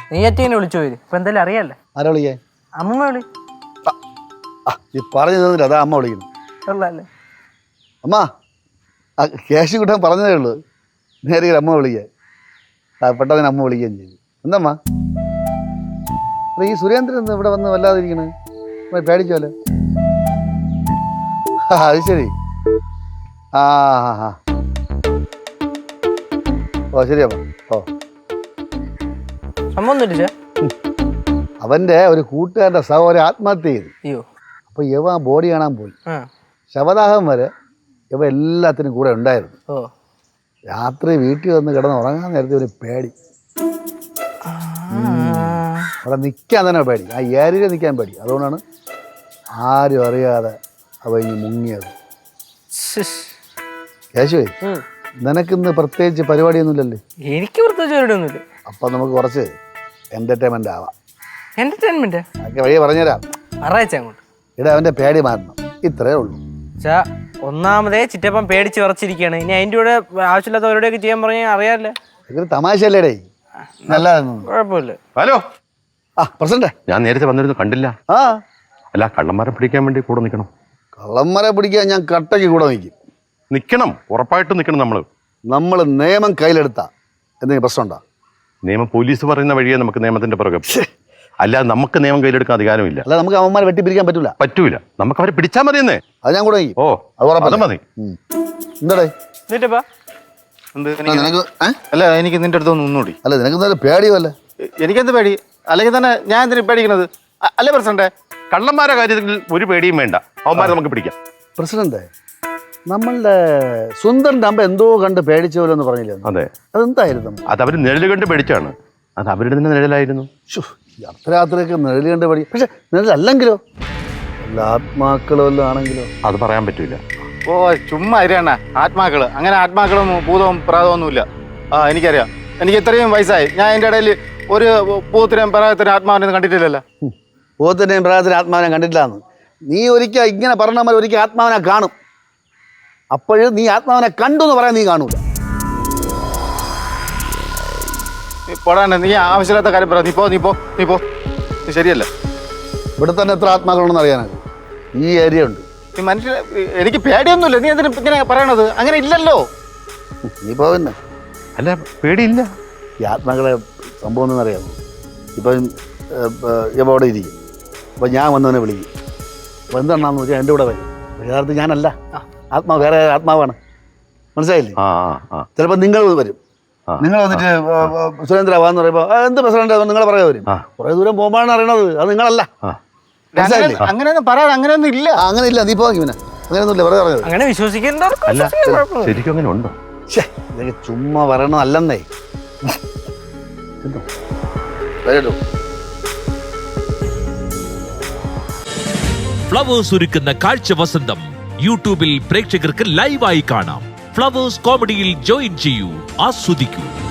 നെയ്യാറ്റിങ്ങനെ വിളിച്ചു പോയത് ഇപ്പൊ എന്തായാലും അറിയാല്ലേ. ആരാ വിളിക്കേ? അമ്മ വിളി. നീ പറഞ്ഞു തന്നില്ല, അതാ അമ്മ വിളിക്കുന്നു. ഉള്ളല്ലേ അമ്മ ക്യാഷ് കിട്ടാൻ പറഞ്ഞതേ ഉള്ളൂ. നേരെ അമ്മ വിളിക്കാൻ പെട്ടെന്ന് അമ്മ വിളിക്കുകയും ചെയ്തു. എന്തമ്മ ഈ സുരേന്ദ്രൻ ഇവിടെ വന്ന് വല്ലാതിരിക്കണേ? പേടിച്ചോലെ? അത് ശരി. ആ ഹാ ഹാ ഓ ശരിയമ്മ. ഓ സംഭവം അവന്റെ ഒരു കൂട്ടുകാരന്റെ സഹോദരൻ ആത്മഹത്യ ചെയ്തു. അയ്യോ. അപ്പൊ ഇവ ബോഡി കാണാൻ പോയി. ശവദാഹം വരെ ഇവ എല്ലാത്തിനും കൂടെ ഉണ്ടായിരുന്നു. രാത്രി വീട്ടിൽ വന്ന് കിടന്ന് ഉറങ്ങാൻ നേരത്തെ ഒരു പേടി. അവിടെ നിൽക്കാൻ തന്നെ പേടി, ആ ഏരിയയിൽ നിൽക്കാൻ പേടി. അതുകൊണ്ടാണ് ആരും അറിയാതെ അവ ഇനി മുങ്ങിയത്. യേശുവേ, നിനക്കിന്ന് പ്രത്യേകിച്ച് പരിപാടിയൊന്നുമില്ലല്ലേ? എനിക്ക് പ്രത്യേകിച്ച് പരിപാടിയൊന്നുമില്ല. അപ്പൊ നമുക്ക് കുറച്ച് എന്റർടൈൻമെന്റ് ആവാം. എന്റർടൈൻമെന്റ് ഒക്കെ വഴിയെ പറഞ്ഞുതരാം. അങ്ങോട്ട് ഇവിടെ അവന്റെ പേടി മാറണം, ഇത്രേ ഉള്ളൂ. ഒന്നാമതേ ചിറ്റപ്പം പേടിച്ച് വിറച്ചിരിക്കുകയാണ്. ഇനി അതിന്റെ കൂടെ ആവശ്യമില്ലാത്ത പരിപാടിയൊക്കെ ചെയ്യാൻ പറഞ്ഞാൽ അറിയാല്ലേ. തമാശയല്ലേടേ, നല്ലതായിരുന്നു. കുഴപ്പമില്ല. ഹലോ. പ്രസിഡന്റ്, ഞാൻ നേരത്തെ വന്നിരുന്നു, കണ്ടില്ല. അല്ല, കള്ളന്മാരെ പിടിക്കാൻ വേണ്ടി കൂടെ നിൽക്കണം. കള്ളന്മാരെ പിടിക്കാൻ ഞാൻ കട്ടയ്ക്ക് കൂടെ നിൽക്കണം, ഉറപ്പായിട്ടും നിൽക്കണം. നമ്മൾ നിയമം കയ്യിലെടുത്താ എന്തെങ്കിലും പ്രശ്നമുണ്ടോ? നിയമം പോലീസ് പറയുന്ന വഴിയെ നമുക്ക് നിയമത്തിന്റെ പുറകെ. അല്ലാതെ നമുക്ക് നിയമം കയ്യിലെടുക്കാൻ അധികാരമില്ല. അല്ല, നമുക്ക് അവന്മാരെ വെട്ടിപ്പിരിക്കാൻ പറ്റൂല. നമുക്ക് അവരെ പിടിച്ചാൽ മതിയെന്നേ. അത് ഞാൻ കൂടെ. ഓ, അത് മതി. എന്താടേ അല്ല, എനിക്ക് നിന്റെ അടുത്തൊന്നും ഒന്നുകൂടി. അല്ല, നിനക്ക് പേടിയോ? അല്ലേ, എനിക്കെന്ത് പേടി? അല്ലെങ്കിൽ തന്നെ ഞാൻ എന്തിനു പേടിക്കണത്? അല്ലേ പ്രസിഡന്റ്? കള്ളന്മാരുടെ കാര്യത്തിൽ ഒരു പേടിയും വേണ്ട, അവന്മാരെ നമുക്ക് പിടിക്കാം. പ്രസിഡന്റ്, നമ്മളുടെ സുന്ദറിന്റെ അമ്മ എന്തോ കണ്ട് പേടിച്ചോലോ എന്ന് പറഞ്ഞില്ലേ? അതെ. അതെന്തായിരുന്നു? അത് അവര് നിഴല് കണ്ട് പേടിച്ചാണ്. അത് അവരുടെ തന്നെ നിഴലായിരുന്നു. അർദ്ധരാത്രിയൊക്കെ നിഴല് കണ്ട് പേടി. പക്ഷെ നിഴലല്ലെങ്കിലോ, എല്ലാ ആത്മാക്കളോ എല്ലാം ആണെങ്കിലോ അത് പറയാൻ പറ്റൂല. ഓ ചുമ്മാ ഇരിയണ്ണ. ആത്മാക്കള്, അങ്ങനെ ആത്മാക്കളും ഭൂതവും പ്രാതമൊന്നുമില്ല. എനിക്കറിയാം. എനിക്ക് ഇത്രയും വയസ്സായി, ഞാൻ അതിൻ്റെ ഇടയിൽ ഒരു പൂത്തിനെയും പ്രായത്തിനും ആത്മാവിനെ കണ്ടിട്ടില്ലല്ലോ. പൂത്തിനെയും പ്രായത്തിനും ആത്മാവിനെ കണ്ടിട്ടില്ലാന്ന് നീ ഒരിക്കൽ ഇങ്ങനെ പറഞ്ഞാൽ ഒരിക്കൽ ആത്മാവിനെ കാണും. അപ്പോഴും നീ ആത്മാവിനെ കണ്ടു എന്ന് പറയാൻ നീ കാണൂല. പോടാണ്ട്, നീ ആവശ്യമില്ലാത്ത കാര്യം പറ. നീ പോ. നീ ശരിയല്ല. ഇവിടെ തന്നെ എത്ര ആത്മാക്കളുണ്ടെന്ന് അറിയാനാണ്. ഈ ഏരിയ ഉണ്ട്. നീ മനുഷ്യ, എനിക്ക് പേടിയൊന്നുമില്ല. നീ എന്തിനാ ഇങ്ങനെ പറയണത്? അങ്ങനെ ഇല്ലല്ലോ. നീ പോവന്നെ. അല്ല, പേടിയില്ല. ഈ ആത്മാക്കളെ സംഭവം എന്നറിയാമോ? ഇപ്പം ഇവ അവിടെ ഇരിക്കും. അപ്പം ഞാൻ വന്നവനെ വിളിക്കും. അപ്പം എന്താണെന്ന് വെച്ചാൽ എൻ്റെ കൂടെ വരും. യഥാർത്ഥത്തിൽ ഞാനല്ല, ആത്മാവ് വേറെ ആത്മാവാണ്. മനസ്സിലായില്ലേ? ചിലപ്പോൾ നിങ്ങൾ വരും. നിങ്ങൾ വന്നിട്ട് സുരേന്ദ്ര വാന്ന് പറയുമ്പോൾ എന്ത് പ്രസിഡന്റ് നിങ്ങളെ പറയാ വരും. കുറെ ദൂരം പോകുമ്പോഴാണ് അറിയണത് അത് നിങ്ങളല്ല. അങ്ങനെയൊന്നും പറയാൻ അങ്ങനെയൊന്നും ഇല്ല. അങ്ങനെ ഇല്ല. നീ പോകാൻ അങ്ങനെയൊന്നും ഇല്ല. വെറുതെ പറഞ്ഞത്. അങ്ങനെ വിശ്വസിക്കേണ്ട ശരിക്കും അങ്ങനെ ഉണ്ടോ? ഇതൊക്കെ ചുമ്മാ പറയണതല്ലെന്നേ. ഫ്ലവേഴ്സ് ഒരുക്കുന്ന കാഴ്ച വസന്തം യൂട്യൂബിൽ പ്രേക്ഷകർക്ക് ലൈവായി കാണാം. ഫ്ലവേഴ്സ് കോമഡിയിൽ ജോയിൻ ചെയ്യൂ, ആസ്വദിക്കൂ.